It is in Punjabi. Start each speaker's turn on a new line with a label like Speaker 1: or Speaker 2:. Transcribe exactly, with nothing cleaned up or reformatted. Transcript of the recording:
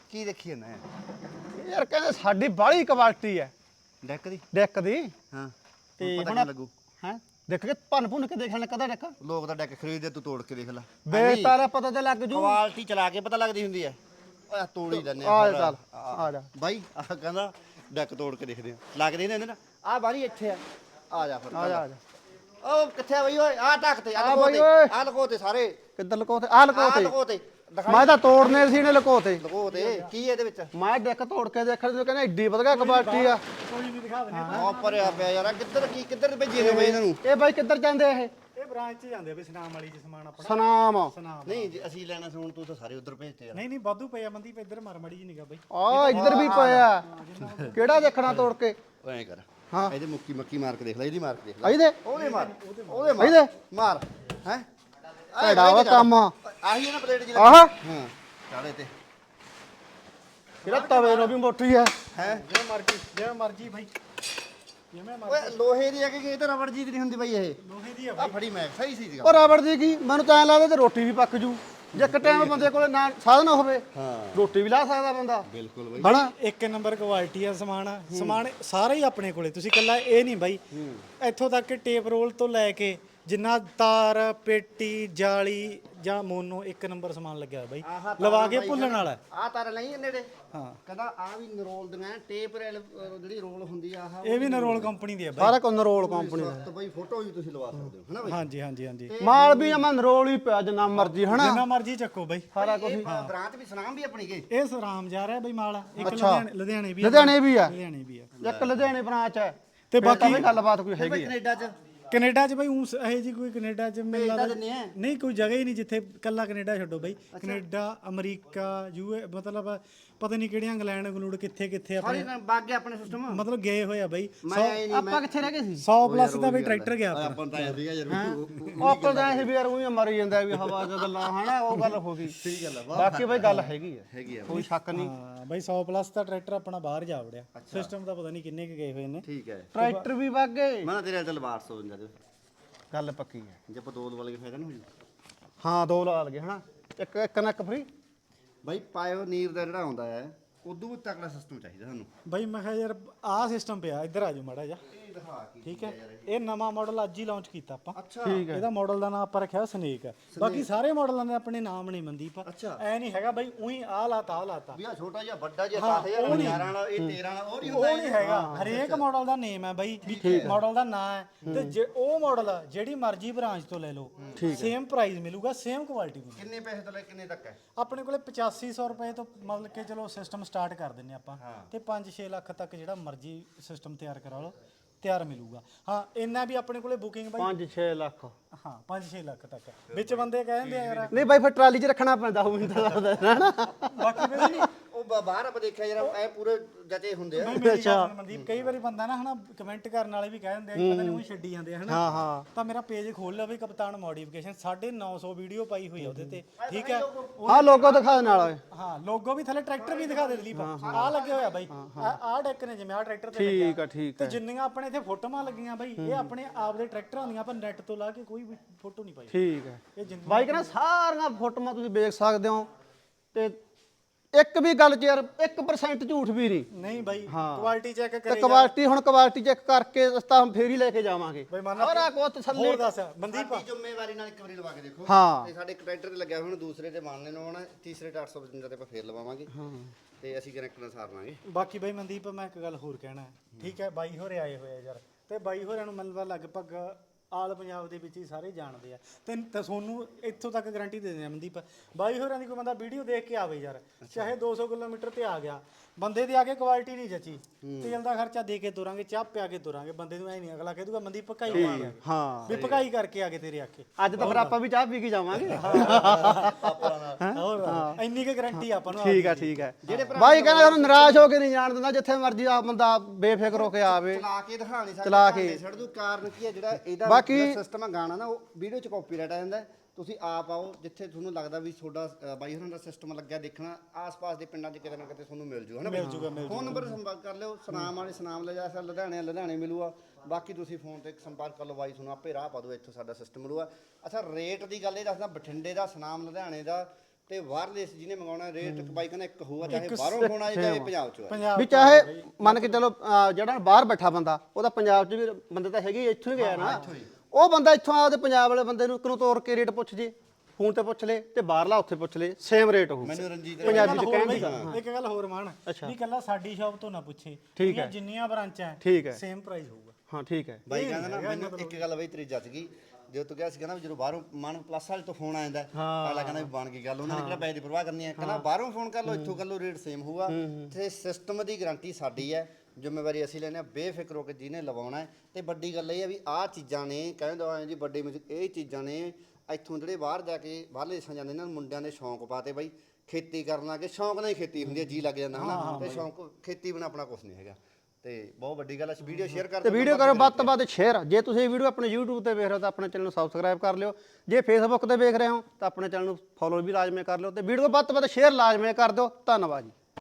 Speaker 1: ਕੀ ਦੇਖੀ ਨਾ
Speaker 2: ਯਾਰ ਕਹਿੰਦੇ ਸਾਡੀ ਬਾਹਲੀ ਕੁਆਲਿਟੀ ਹੈ
Speaker 1: ਡੈਕ ਦੀ
Speaker 2: ਡੈਕ ਦੀ
Speaker 1: ਹਾਂ
Speaker 2: ਤੇ
Speaker 1: ਪਤਾ
Speaker 2: ਹੁਣ
Speaker 1: ਕਿਵੇਂ ਲੱਗੂ
Speaker 2: ਹੈ ਦੇਖ ਕੇ ਭੰਨ ਭੁੰਨ ਕੇ ਦੇਖਣ ਕਦਾ ਡੈਕ
Speaker 1: ਲੋਕ ਤਾਂ ਡੈਕ ਖਰੀਦਦੇ ਤੂੰ ਤੋੜ ਕੇ ਦੇਖ ਲੈ
Speaker 2: ਵੇਖ ਤਾਰਾ ਪਤਾ ਤੇ ਲੱਗ ਜੂ
Speaker 1: ਕੁਆਲਿਟੀ ਚਲਾ ਕੇ ਪਤਾ ਲੱਗਦੀ ਹੁੰਦੀ ਹੈ ਓਏ ਤੋੜ ਹੀ ਲੈਨੇ
Speaker 2: ਆ ਚੱਲ ਆ ਜਾ
Speaker 1: ਬਾਈ ਆਹ ਕਹਿੰਦਾ ਡੈਕ ਤੋੜ ਕੇ ਦੇਖਦੇ ਆ ਲੱਗਦੇ ਇਹਦੇ ਨਾ ਆ ਬਾਰੀ ਇੱਥੇ ਆ ਆ ਜਾ ਫਿਰ
Speaker 2: ਆ ਜਾ ਆ ਜਾ
Speaker 1: ਉਹ ਕਿੱਥੇ ਆ ਬਈ ਓਏ ਆ ਟੱਕ ਤੇ ਆ
Speaker 2: ਆ
Speaker 1: ਲਕੋ
Speaker 2: ਬਾਈ
Speaker 1: ਤੇ
Speaker 2: ਓਏ।
Speaker 1: ਆ ਲਕੋ ਤੇ ਸਾਰੇ
Speaker 2: ਕਿੱਧਰ ਲਕੋ ਤੇ ਆ ਲਕੋ
Speaker 1: ਆ
Speaker 2: ਤੇ
Speaker 1: ਲਕੋ ਤੇ
Speaker 2: ਮੈਂ ਤਾਂ ਤੋੜਨੇ ਸੀ ਇਹਨੇ ਲਕੋ ਤੇ
Speaker 1: ਲਕੋ ਤੇ ਕੀ ਇਹਦੇ ਵਿੱਚ
Speaker 2: ਮੈਂ ਡੈਕ ਤੋੜ ਕੇ ਦੇਖਣ ਤੇ ਕਹਿੰਦਾ ਏਡੀ ਵਧੀਆ ਕੁਆਲਿਟੀ ਆ
Speaker 3: ਕੋਈ ਨਹੀਂ ਦਿਖਾ ਦਿੰਦੇ
Speaker 1: ਉਹ ਭਰਿਆ ਪਿਆ ਯਾਰ ਕਿੱਧਰ ਕੀ ਕਿੱਧਰ ਭੇਜੀ ਨੇ ਬਈ ਇਹਨਾਂ ਨੂੰ
Speaker 2: ਇਹ ਬਾਈ ਕਿੱਧਰ ਜਾਂਦੇ ਇਹ
Speaker 3: ਇਹ ਬ੍ਰਾਂਚ 'ਚ ਜਾਂਦੇ ਆ ਬਈ ਸਨਾਮ ਵਾਲੀ 'ਚ ਸਮਾਨ ਆਪਣਾ
Speaker 2: ਸਨਾਮ
Speaker 3: ਸਨਾਮ
Speaker 1: ਨਹੀਂ ਜੇ ਅਸੀਂ ਲੈਣਾ ਸੁਣ ਤੂੰ ਤਾਂ ਸਾਰੇ ਉਧਰ ਭੇਜਤੇ ਯਾਰ
Speaker 3: ਨਹੀਂ ਨਹੀਂ ਵਾਧੂ ਪਿਆ ਮੰਦੀ ਪਈ ਇੱਧਰ ਮਾਰ ਮੜੀ ਜੀ ਨਿਗਾ ਬਈ
Speaker 2: ਆ ਇੱਧਰ ਵੀ ਪਿਆ ਕਿਹੜਾ ਦੇਖਣਾ ਤੋੜ ਕੇ
Speaker 1: ਐਂ ਕਰ
Speaker 2: ਹਾਂ
Speaker 1: ਇਹਦੇ ਮੁੱਕੀ ਮੱਕੀ ਮਾਰ ਕੇ ਦੇਖ ਲੈ ਇਹਦੀ ਮਾਰ ਕੇ ਦੇਖ ਲੈ
Speaker 2: ਆਈ ਦੇ
Speaker 1: ਉਹਦੇ ਮਾਰ ਉਹਦੇ ਮਾਰ
Speaker 2: ਇਹਦੇ
Speaker 1: ਮਾਰ ਹੈ
Speaker 2: ਭੈੜਾ ਵਾ ਕੰਮ
Speaker 1: ਆਹੀ ਹੈ ਨਾ ਪਲੇਟ ਜੀ
Speaker 2: ਆਹ
Speaker 1: ਹਾਂ ਚਾਲੇ ਤੇ
Speaker 2: ਕਿਹੜਾ ਤਵੇ ਨੂੰ ਵੀ ਮੋਟੀ ਹੈ
Speaker 1: ਹੈ
Speaker 3: ਜਿਵੇਂ ਮਰਜੀ ਜਿਵੇਂ ਮਰਜੀ ਬਈ ਜਿਵੇਂ ਮਰਜੀ
Speaker 1: ਓਏ ਲੋਹੇ ਦੀ ਆ ਕਿ ਇਹ ਤਾਂ ਰਬੜ ਜੀ ਦੀ ਨਹੀਂ ਹੁੰਦੀ ਬਈ ਇਹ
Speaker 3: ਲੋਹੇ ਦੀ ਆ
Speaker 1: ਆ ਫੜੀ ਮੈਂ ਸਹੀ ਸੀ ਜੀ
Speaker 2: ਉਹ ਰਾਵੜ ਦੀ ਕੀ ਮੈਨੂੰ ਤਾਂ ਐਂ ਲੱਗਦਾ ਤੇ ਰੋਟੀ ਵੀ ਪੱਕ ਜੂ ਜੇ ਇੱਕ ਟਾਈਮ ਬੰਦੇ ਕੋਲੇ ਨਾ ਸਾਧਨ ਹੋਵੇ
Speaker 1: ਹਾਂ
Speaker 2: ਰੋਟੀ ਵੀ ਲਾ ਸਕਦਾ ਬੰਦਾ
Speaker 1: ਬਿਲਕੁਲ ਬਈ
Speaker 2: ਹਨਾ
Speaker 3: ਇੱਕ ਨੰਬਰ ਕੁਆਲਿਟੀ ਆ ਸਮਾਨ ਸਮਾਨ ਸਾਰਾ ਹੀ ਆਪਣੇ ਕੋਲੇ ਤੁਸੀਂ ਕੱਲਾ ਇਹ ਨਹੀਂ ਬਾਈ ਇੱਥੋਂ ਤੱਕ ਕਿ ਟੇਪ ਰੋਲ ਤੋਂ ਲੈ ਕੇ ਜਿੰਨਾ ਤਾਰ ਪੇਟੀ ਜਾਲੀ ਜਾਂ ਮੋਨੋ ਇੱਕ ਨੰਬਰ ਸਮਾਨ ਲੱਗਿਆ ਬਾਈ ਲਵਾ ਕੇ ਭੁੱਲਣ ਵਾਲਾ
Speaker 1: ਆ ਤਾਰ ਲਈ ਨੇੜੇ
Speaker 3: ਹਾਂ
Speaker 1: ਕਹਿੰਦਾ ਆ ਵੀ ਨਰੋਲ ਦੀਆਂ ਟੇਪ ਰੈਲ ਜਿਹੜੀ ਰੋਲ ਹੁੰਦੀ ਆ ਆਹ
Speaker 3: ਇਹ ਵੀ ਨਰੋਲ ਕੰਪਨੀ ਦੀ ਆ ਬਾਈ
Speaker 2: ਸਾਰਾ ਕੁਝ ਨਰੋਲ ਕੰਪਨੀ ਦਾ
Speaker 1: ਤਾਂ ਬਈ ਫੋਟੋ ਵੀ ਤੁਸੀਂ ਲਵਾ ਸਕਦੇ ਹੋ ਹਨਾ ਬਈ
Speaker 3: ਹਾਂਜੀ ਹਾਂਜੀ ਹਾਂਜੀ
Speaker 2: ਮਾਲ ਵੀ ਅਮਨ ਨਰੋਲ ਹੀ ਪਿਆ ਜਿੰਨਾ ਮਰਜੀ ਹਨਾ
Speaker 3: ਜਿੰਨਾ ਮਰਜੀ ਚੱਕੋ ਬਾਈ
Speaker 2: ਸਾਰਾ ਕੁਝ
Speaker 1: ਇਹ ਬ੍ਰਾਂਚ ਵੀ ਸੁਨਾਮ ਵੀ ਆਪਣੀ ਕੇ
Speaker 3: ਇਹ ਸਰਾਮ ਜਾ ਰਿਹਾ ਬਾਈ ਮਾਲ ਇੱਕ ਲੁਧਿਆਣੇ ਲੁਧਿਆਣੇ ਵੀ ਆ
Speaker 2: ਲੁਧਿਆਣੇ ਵੀ ਆ
Speaker 3: ਲੁਧਿਆਣੇ ਵੀ ਆ
Speaker 2: ਇੱਕ ਲੁਧਿਆਣੇ ਬ੍ਰਾਂਚ ਹੈ
Speaker 3: ਤੇ
Speaker 2: ਫਿਰ ਤਾਂ
Speaker 3: ਬਾਕੀ
Speaker 2: ਵੀ ਗੱਲਬਾਤ ਕੋਈ ਹੈਗੀ ਆ
Speaker 1: ਕੈਨੇਡਾ ਚ
Speaker 3: ਕੈਨੇਡਾ 'ਚ ਬਈ ਉਸ ਇਹ ਜੀ ਕੋਈ ਕੈਨੇਡਾ 'ਚ ਮਿਲ
Speaker 1: ਭੇਜਦਾ
Speaker 3: ਲੱਗਦਾ
Speaker 1: ਦਿੰਦੇ ਆ
Speaker 3: ਨਹੀਂ ਕੋਈ ਜਗ੍ਹਾ ਹੀ ਨਹੀਂ ਜਿੱਥੇ ਕੱਲਾ ਕੈਨੇਡਾ ਛੱਡੋ ਬਈ ਕੈਨੇਡਾ ਅਮਰੀਕਾ ਯੂਏ ਮਤਲਬ ਪਤਾ ਨਹੀਂ ਕਿਹੜੀਆਂ ਇੰਗਲੈਂਡ ਗਲੂਡ ਕਿੱਥੇ ਕਿੱਥੇ ਆਪਣੇ
Speaker 1: ਸਾਰੇ ਬਾਗ ਗਿਆ ਆਪਣੇ ਸਿਸਟਮ
Speaker 3: ਮਤਲਬ ਗਏ ਹੋਏ ਆ ਬਈ
Speaker 1: ਮੈਂ ਆਏ ਨਹੀਂ
Speaker 2: ਆਪਾਂ ਕਿੱਥੇ ਰਹਿ ਗਏ ਸੀ
Speaker 3: ਸੌ ਪਲੱਸ ਦਾ ਬਈ ਟਰੈਕਟਰ ਗਿਆ ਆਪਣਾ
Speaker 1: ਆਪਾਂ ਤਾਂ ਆਇਆ ਯਾਰ
Speaker 2: ਉਹ ਆਪਾਂ ਤਾਂ ਇਹ ਵੀ ਯਾਰ ਉਹੀ ਮਰ ਜਾਂਦਾ ਵੀ ਹਵਾ ਚ ਗੱਲਾਂ ਹਨਾ ਉਹ ਗੱਲ ਹੋ ਗਈ
Speaker 1: ਠੀਕ ਗੱਲ ਆ
Speaker 2: ਬਾਕੀ ਬਈ ਗੱਲ ਹੈਗੀ ਆ
Speaker 1: ਹੈਗੀ ਆ
Speaker 2: ਕੋਈ ਸ਼ੱਕ ਨਹੀਂ
Speaker 3: ਹਾਂ ਬਈ ਸੌ ਪਲੱਸ ਦਾ ਟਰੈਕਟਰ ਆਪਣਾ ਬਾਹਰ ਜਾ ਵੜਿਆ ਸਿਸਟਮ ਦਾ ਪਤਾ ਨਹੀਂ ਕਿੰਨੇ ਕੁ ਗਏ ਹੋਏ ਨੇ
Speaker 1: ਠੀਕ ਹੈ
Speaker 2: ਟਰੈਕਟਰ ਵੀ ਵਗ ਗਏ
Speaker 1: ਮੈਂ ਤੇਰੇ ਨਾਲ ਲਵਾਰ ਸੋ ਜਾਂਦਾ
Speaker 2: ਗੱਲ ਪੱਕੀ ਹੈ
Speaker 1: ਜੇ ਆਪਾਂ ਦੋ ਵਾਲੇ ਫਾਇਦਾ ਨਾ ਹੋ ਜੂ
Speaker 2: ਹਾਂ ਦੋ ਲਾ ਲਗੇ ਹਨਾ ਇੱਕ ਇੱਕ ਨਾ ਇੱਕ ਫਰੀ
Speaker 1: ਬਾਈ ਪਾਇਓਨੀਅਰ ਦਾ ਜਿਹੜਾ ਆਉਂਦਾ ਹੈ ਉਦੋਂ ਵੀ ਤਕੜਾ ਸਿਸਟਮ ਚਾਹੀਦਾ ਸਾਨੂੰ
Speaker 3: ਬਈ ਮੈਂ ਕਿਹਾ ਯਾਰ ਆਹ ਸਿਸਟਮ ਪਿਆ ਇੱਧਰ ਆ ਜਾਓ ਮਾੜਾ ਜਿਹਾ
Speaker 1: ਇਹ ਦਿਖਾ ਕੀ
Speaker 3: ਠੀਕ ਹੈ ਇਹ ਨਵਾਂ ਮਾਡਲ ਅੱਜ ਹੀ ਲਾਂਚ ਕੀਤਾ ਆਪਾਂ
Speaker 1: ਅੱਛਾ
Speaker 2: ਠੀਕ ਹੈ
Speaker 3: ਇਹਦਾ ਮਾਡਲ ਦਾ ਨਾਮ ਆਪਾਂ ਰੱਖਿਆ ਸਨੇਕ ਬਾਕੀ ਸਾਰੇ ਮਾਡਲਾਂ ਦੇ ਆਪਣੇ ਨਾਮ ਨਹੀਂ ਮਨਦੀਪ
Speaker 1: ਅੱਛਾ।
Speaker 3: ਐ ਨਹੀਂ ਹੈਗਾ ਬਈ ਉਹੀ ਆ ਲਾਤਾ ਆ ਲਾਤਾ
Speaker 1: ਵੀ ਆ ਛੋਟਾ ਜਿਹਾ ਵੱਡਾ ਜਿਹਾ ਦਸ ਹਜ਼ਾਰ ਹਜ਼ਾਰਾਂ ਵਾਲਾ ਇਹ ਤੇਰਾਂ ਵਾਲਾ ਉਹ ਨਹੀਂ ਹੁੰਦਾ
Speaker 3: ਉਹ ਨਹੀਂ ਹੈਗਾ ਹਰੇਕ ਮਾਡਲ ਦਾ ਨੇਮ ਹੈ ਬਾਈ ਮਾਡਲ ਦਾ ਨਾਂ ਹੈ ਤੇ ਜੇ ਉਹ ਮਾਡਲ ਜਿਹੜੀ ਮਰਜ਼ੀ ਬ੍ਰਾਂਚ ਤੋਂ ਲੈ ਲਓ ਸੇਮ ਪ੍ਰਾਈਸ ਮਿਲੂਗਾ ਸੇਮ ਕੁਆਲਿਟੀ ਮਿਲੂਗੀ
Speaker 1: ਕਿੰਨੇ ਪੈਸੇ ਤੋਂ ਲੈ ਕਿੰਨੇ ਤੱਕ ਹੈ
Speaker 3: ਆਪਣੇ ਕੋਲੇ ਪਚਾਸੀ ਸੌ ਰੁਪਏ ਤੋਂ ਮਤਲਬ ਕਿ ਚਲੋ ਸਿਸਟਮ ਸਟਾਰਟ ਕਰ ਦਿੰਨੇ ਆਪਾਂ ਤੇ ਪੰਜ ਛੇ ਲੱਖ ਤੱਕ ਜਿਹੜਾ ਮਰਜ਼ੀ ਸਿਸਟਮ ਤਿਆਰ ਕਰਾ ਲਓ ਤਿਆਰ ਮਿਲੂਗਾ ਹਾਂ ਇੰਨਾ ਵੀ ਆਪਣੇ ਕੋਲੇ ਬੁਕਿੰਗ ਬਾਈ
Speaker 2: ਪੰਜ ਛੇ ਲੱਖ
Speaker 3: ਹਾਂ ਪੰਜ ਛੇ ਲੱਖ ਤੱਕ ਵਿੱਚ ਬੰਦੇ ਕਹਿੰਦੇ ਆ ਯਾਰ
Speaker 2: ਨਹੀਂ ਬਾਈ ਫਿਰ ਟਰਾਲੀ 'ਚ ਰੱਖਣਾ ਪੈਂਦਾ ਉਹ ਮੈਨੂੰ ਤਾਂ ਲੱਗਦਾ ਹਨਾ
Speaker 3: ਬਾਕੀ ਬਈ ਨਹੀਂ
Speaker 1: ਉਹ ਬ- ਬਾਹਰ ਆਪਾਂ ਦੇਖਿਆ ਯਾਰ ਐ ਪੂਰੇ ਜਚੇ ਹੁੰਦੇ ਆ
Speaker 3: ਬਈ ਮੇਰੀ ਗੱਲ ਸੁਣ ਮਨਦੀਪ ਕਈ ਵਾਰੀ ਬੰਦਾ ਨਾ ਹਨਾ ਕਮੈਂਟ ਕਰਨ ਵਾਲੇ ਵੀ ਕਹਿ ਦਿੰਦੇ ਆ ਕਿ ਪਤਾ ਨਹੀਂ ਉਹ ਛੱਡੀ ਜਾਂਦੇ ਆ ਹਨਾ
Speaker 2: ਹਾਂ ਹਾਂ
Speaker 3: ਤਾਂ ਮੇਰਾ ਪੇਜ ਖੋਲ ਲਿਆ ਬਈ ਕਪਤਾਨ ਮੋਡੀਫਿਕੇਸ਼ਨ ਸਾਢੇ ਨੌ ਸੌ ਵੀਡੀਓ ਪਾਈ ਹੋਈ ਆ ਉਹਦੇ ਤੇ ਠੀਕ ਹੈ
Speaker 2: ਹਾਂ ਲੋਗੋ ਦਿਖਾ ਦੇ ਨਾਲ ਓਏ
Speaker 3: ਹਾਂ ਲੋਗੋ ਵੀ ਥੱਲੇ ਟਰੈਕਟਰ ਵੀ ਦਿਖਾ ਦੇ ਦਲੀਪ ਆ ਲੱਗੇ ਹੋਇਆ ਬਾਈ ਆ ਡੈਕ ਨੇ ਜਿਵੇਂ ਆ ਟਰੈਕਟਰ ਤੇ ਲੱਗਿਆ
Speaker 2: ਠੀਕ ਆ ਠੀਕ
Speaker 3: ਤੇ
Speaker 2: ਆ
Speaker 3: ਜਿੰਨੀਆਂ ਆਪਣੇ ਇੱਥੇ ਫੋਟੋਆਂ ਲੱਗੀਆਂ ਬਾਈ ਇਹ ਆਪਣੇ ਆਪ ਦੇ ਟਰੈਕਟਰਾਂ ਦੀਆਂ ਆਪਾਂ ਨੈਟ ਤੋਂ ਲਾ ਕੇ ਕੋਈ ਵੀ ਫੋਟੋ ਨਹੀਂ ਪਾਈ
Speaker 2: ਠੀਕ ਹੈ
Speaker 3: ਇਹ ਜਿੰਨੀ
Speaker 2: ਬਾਈ ਕਹਿੰਦਾ ਸਾਰੀਆਂ ਫੋਟੋਆਂ ਤੁਸੀਂ ਵੇਖ ਸਕਦੇ ਹੋ ਤੇ ਇੱਕ ਵੀ ਗੱਲ ਚ ਯਾਰ ਇੱਕ ਪਰਸੈਂਟ ਝੂਠ ਵੀ ਨਹੀਂ
Speaker 3: ਨਹੀਂ ਬਾਈ
Speaker 2: ਹਾਂ।
Speaker 3: ਕੁਆਲਿਟੀ ਚੈੱਕ
Speaker 2: ਤੇ
Speaker 3: ਕਰੇ
Speaker 2: ਕੁਆਲਿਟੀ ਹੁਣ ਕੁਆਲਿਟੀ ਚੈੱਕ ਕਰਕੇ ਤਾਂ ਹਮ ਫੇਰ ਹੀ ਲੈ ਕੇ ਜਾਵਾਂਗੇ
Speaker 3: ਬਈ ਮੰਨ ਲਾ
Speaker 2: ਸਾਰਾ ਕੁਝ ਤਸੱਲੀ
Speaker 3: ਹੋਰ ਦੱਸ ਮਨਦੀਪ
Speaker 1: ਸਾਡੀ ਜ਼ਿੰਮੇਵਾਰੀ ਨਾਲ ਇੱਕ ਵਾਰੀ ਲਵਾ ਕੇ ਦੇਖੋ
Speaker 2: ਹਾਂ
Speaker 1: ਤੇ ਸਾਡੇ ਇੱਕ ਟਰੈਕਟਰ ਤੇ ਲੱਗਿਆ ਹੁਣ ਦੂਸਰੇ ਤੇ ਮਾਨਨੇ ਨੂੰ ਆਉਣਾ ਤੀਸਰੇ ਤੇ ਅੱਠ ਸੌ ਪਚਵੰਜਾ ਤੇ ਆਪਾਂ ਫੇਰ ਲਵਾਵਾਂਗੇ ਤੇ ਅਸੀਂ ਕਨੈਕਟ ਨਾਲ ਸਾਰ ਲਾਂਗੇ
Speaker 3: ਬਾਕੀ ਬਾਈ ਮਨਦੀਪ ਮੈਂ ਇੱਕ ਗੱਲ ਹੋਰ ਕਹਿਣਾ ਹੈ ਠੀਕ ਹੈ ਬਾਈ ਹੋਰੇ ਆਏ ਹੋਏ ਆ ਯਾਰ ਤੇ ਬਾਈ ਹੋਰਾਂ ਨੂੰ ਮਤਲਬ ਲਗਭਗ ਆਲ ਪੰਜਾਬ ਦੇ ਵਿੱਚ ਹੀ ਸਾਰੇ ਜਾਣਦੇ ਆ ਤੇ ਤਾਂ ਤੁਹਾਨੂੰ ਇੱਥੋਂ ਤੱਕ ਗਾਰੰਟੀ ਦੇ ਦਿੰਦੇ ਆ ਮਨਦੀਪ ਬਾਈ ਹੋਰਾਂ ਦੀ ਕੋਈ ਬੰਦਾ ਵੀਡੀਓ ਦੇਖ ਕੇ ਆਵੇ ਯਾਰ ਚਾਹੇ ਦੋ ਸੌ ਕਿਲੋਮੀਟਰ ਤੇ ਆ ਗਿਆ ਬੰਦੇ ਦੀ ਆ ਕੇ ਕੁਆਲਿਟੀ ਨਹੀਂ ਜੱਚੀ ਤੇਲ ਦਾ ਖਰਚਾ ਦੇ ਕੇ ਤੁਰਾਂਗੇ ਚਾਹ ਪਿਆ ਕੇ ਤੁਰਾਂਗੇ ਬੰਦੇ ਨੂੰ ਐ ਨਹੀਂ ਅਗਲਾ ਕਹਿ ਦੂਗਾ ਮਨਦੀਪ ਭਕਾਈ ਮਾਰ ਗਿਆ
Speaker 2: ਹਾਂ
Speaker 3: ਵੀ ਭਕਾਈ ਕਰਕੇ ਆ ਕੇ ਤੇਰੇ ਆਕੇ
Speaker 2: ਅੱਜ ਤਾਂ ਫਿਰ ਆਪਾਂ ਵੀ ਚਾਹ ਪੀ ਕੇ ਜਾਵਾਂਗੇ
Speaker 3: ਹੋਰ ਇੰਨੀ ਕੁ ਗਾਰੰਟੀ ਆਪਾਂ ਨੂੰ
Speaker 2: ਠੀਕ ਆ ਠੀਕ ਹੈ ਬਾਈ ਕਹਿੰਦਾ ਤੁਹਾਨੂੰ ਨਿਰਾਸ਼ ਹੋ ਕੇ ਨਹੀਂ ਜਾਣ ਦਿੰਦਾ ਜਿੱਥੇ ਮਰਜ਼ੀ ਆ ਬੰਦਾ ਬੇਫਿਕਰ ਹੋ ਕੇ ਆਵੇ
Speaker 1: ਚਲਾ ਕੇ ਦਿਖਾ ਨਹੀਂ ਸਕਦੇ
Speaker 2: ਚਲਾ ਕੇ।
Speaker 1: ਛੱਡ ਦੂ ਕਾਰਨ ਕੀ ਹੈ ਜਿਹੜਾ ਇਹਦਾ
Speaker 2: ਬਾਕੀ-
Speaker 1: ਸਿਸਟਮ ਆ ਗਾਣਾ ਨਾ ਉਹ ਵੀਡੀਓ ਚ ਕਾਪੀਰਾਈਟ ਆ ਜਾਂਦਾ ਤੁਸੀਂ ਆਪ ਆਓ ਜਿੱਥੇ ਤੁਹਾਨੂੰ ਲੱਗਦਾ ਵੀ ਤੁਹਾਡਾ ਅ, ਬਾਈ ਹੋਰਾਂ ਦਾ ਸਿਸਟਮ ਲੱਗਿਆ ਦੇਖਣਾ ਆਸ-ਪਾਸ ਦੇ ਪਿੰਡਾਂ 'ਚ ਕਿਤੇ ਨਾ ਕਿਤੇ ਤੁਹਾਨੂੰ ਮਿਲ ਜੂ ਹਨਾ ਮਿਲ ਜੂਗਾ ਫੋਨ ਨੰਬਰ ਸੰਪਰਕ ਕਰ ਲਿਓ ਸੁਨਾਮ ਵਾਲੇ ਸੁਨਾਮ ਲੈ ਜਾ ਸਰ ਲੁਧਿਆਣੇ ਲੁਧਿਆਣੇ ਮਿਲੂਗਾ ਬਾਕੀ ਤੁਸੀਂ ਫੋਨ ਤੇ ਸੰਪਰਕ ਕਰ ਲਓ ਬਾਈ ਤੁਹਾਨੂੰ ਆਪੇ ਰਾਹ ਪਾ ਦਿਓ ਇੱਥੋਂ ਸਾਡਾ ਸਿਸਟਮ ਮਿਲੂਗਾ ਅੱਛਾ ਰੇਟ ਦੀ ਗੱਲ ਇਹ ਦੱਸਦਾ ਬਠਿੰਡੇ ਦਾ ਸੁਨਾਮ ਲੁਧਿਆਣੇ ਦਾ ਤੇ ਵਾਇਰਲੈਸ ਜਿਹਨੇ ਮੰਗਾਉਣਾ ਰੇਟ ਬਾਈ ਕਹਿੰਦਾ ਇੱਕ ਹੋਊਗਾ ਚਾਹੇ ਬਾਹਰੋਂ ਫੋਨ ਆਏ ਚਾਹੇ ਪੰਜਾਬ ਚੋਂ ਆਏ
Speaker 3: ਪੰਜਾਬ
Speaker 2: ਵੀ ਚਾਹੇ ਮੰਨ ਕੇ ਚਲੋ ਅਹ ਜਿਹੜਾ ਬਾਹਰ ਬੈਠਾ ਬੰਦਾ ਉਹਦਾ ਪੰਜਾਬ 'ਚ ਵੀ ਬੰਦੇ ਤਾਂ ਹੈਗੇ ਹੀ, ਇੱਥੋਂ ਹੀ ਗਿਆ ਨਾ ਉਹ ਬੰਦਾ ਇੱਥੋਂ ਆਪਦੇ ਪੰਜਾਬ ਵਾਲੇ ਬੰਦੇ ਨੂੰ ਕਿਨੂੰ ਤੋਰ ਕੇ ਰੇਟ ਪੁੱਛ ਜੇ ਫੋਨ ਤੇ ਪੁੱਛ ਲੇ ਤੇ ਬਾਹਰਲਾ ਉੱਥੇ ਪੁੱਛ ਲੇ ਸੇਮ ਰੇਟ ਹੋਊ
Speaker 1: ਮੈਨੂੰ ਰਣਜੀਤ
Speaker 2: ਪੰਜਾਬੀ 'ਚ ਕਹਿਣ ਦੀ
Speaker 3: ਇੱਕ ਗੱਲ ਹੋਰ ਮਾਨ ਵੀ ਕੱਲਾ ਸਾਡੀ ਸ਼ਾਪ ਤੋਂ ਨਾ ਪੁੱਛੇ
Speaker 2: ਠੀਕ ਹੈ।
Speaker 3: ਇਹ ਜਿੰਨੀਆਂ ਬ੍ਰਾਂਚਾਂ
Speaker 2: ਠੀਕ ਹੈ
Speaker 3: ਸੇਮ ਪ੍ਰਾਈਸ ਹੋਊਗਾ।
Speaker 2: ਹਾਂ ਠੀਕ ਹੈ
Speaker 1: ਬਾਈ ਕਹਿੰਦਾ ਨਾ ਮੈਨੂੰ ਇੱਕ ਗੱਲ ਬਈ ਤੇਰੀ ਜੱਜ ਗਈ ਜਦੋਂ ਤੂੰ ਕਿਹਾ ਸੀ ਕਹਿੰਦਾ ਵੀ ਜਦੋਂ ਬਾਹਰੋਂ ਮਨ ਪਲੱਸ ਵਾਲੇ ਤੋਂ ਫੋਨ ਆ ਜਾਂਦਾ ਅਗਲਾ ਕਹਿੰਦਾ ਵੀ ਬਣ ਗਈ ਗੱਲ ਉਹਨਾਂ ਨੇ ਕਿਹੜਾ ਪੈਸੇ ਦੀ ਪਰਵਾਹ ਕਰਨੀ ਹੈ ਕਹਿੰਦਾ ਬਾਹਰੋਂ ਫੋਨ ਕਰ ਲਓ ਇੱਥੋਂ ਕਰ ਲਓ ਰੇਟ ਸੇਮ ਹੋਊਗਾ ਤੇ ਸਿਸਟਮ ਦੀ ਗਾਰੰਟੀ ਸਾਡੀ ਹੈ ਜ਼ਿੰਮੇਵਾਰੀ ਅਸੀਂ ਲੈਨੇ ਆ ਬੇਫਿਕਰ ਹੋ ਕੇ ਜਿਹਨੇ ਲਵਾਉਣਾ ਹੈ ਤੇ ਵੱਡੀ ਗੱਲ ਇਹ ਹੈ ਵੀ ਆਹ ਚੀਜ਼ਾਂ ਨੇ ਕਹਿੰਦੇ ਆ ਜੀ ਵੱਡੀ ਮਿਸ- ਇਹ ਚੀਜ਼ਾਂ ਨੇ ਇੱਥੋਂ ਜਿਹੜੇ ਬਾਹਰ ਜਾ ਕੇ ਬਾਹਰਲੇ ਦੇਸ਼ਾਂ ਜਾਂਦੇ ਇਹਨਾਂ ਮੁੰਡਿਆਂ ਨੇ ਸ਼ੌਂਕ ਪਾਤੇ ਬਾਈ ਖੇਤੀ ਕਰਨ ਲੱਗੇ ਸ਼ੌਂਕ ਨਾਲ ਹੀ ਖੇਤੀ ਹੁੰਦੀ ਹੈ ਜੀ ਲੱਗ ਜਾਂਦਾ ਹਨਾ ਤੇ ਸ਼ੌਂਕ ਖੇਤੀ ਬਿਨਾਂ ਆਪਣਾ ਕੁਝ ਨਹੀਂ ਹੈਗਾ ਤੇ ਬਹੁਤ ਵੱਡੀ ਗੱਲ ਹੈ ਵੀਡੀਓ ਸ਼ੇਅਰ ਕਰ
Speaker 2: ਤੇ ਵੀਡੀਓ ਕਰੋ ਵੱਧ ਤੋਂ ਵੱਧ ਸ਼ੇਅਰ ਜੇ ਤੁਸੀਂ ਇਹ ਵੀਡੀਓ ਆਪਣੇ YouTube ਤੇ ਵੇਖ ਰਹੇ ਹੋ ਤਾਂ ਆਪਣੇ ਚੈਨਲ ਨੂੰ ਸਬਸਕ੍ਰਾਈਬ ਕਰ ਲਿਓ ਜੇ Facebook ਤੇ ਵੇਖ ਰਹੇ ਹੋ ਤਾਂ ਆਪਣੇ ਚੈਨਲ ਨੂੰ ਫੋਲੋ ਵੀ ਲਾਜ਼ਮੀ ਕਰ ਲਿਓ ਤੇ ਵੀਡੀਓ ਵੱਧ ਤੋਂ ਵੱਧ ਸ਼ੇਅਰ ਲਾਜ਼ਮੀ ਕਰ ਦਿਓ ਧੰਨਵਾਦ ਜੀ।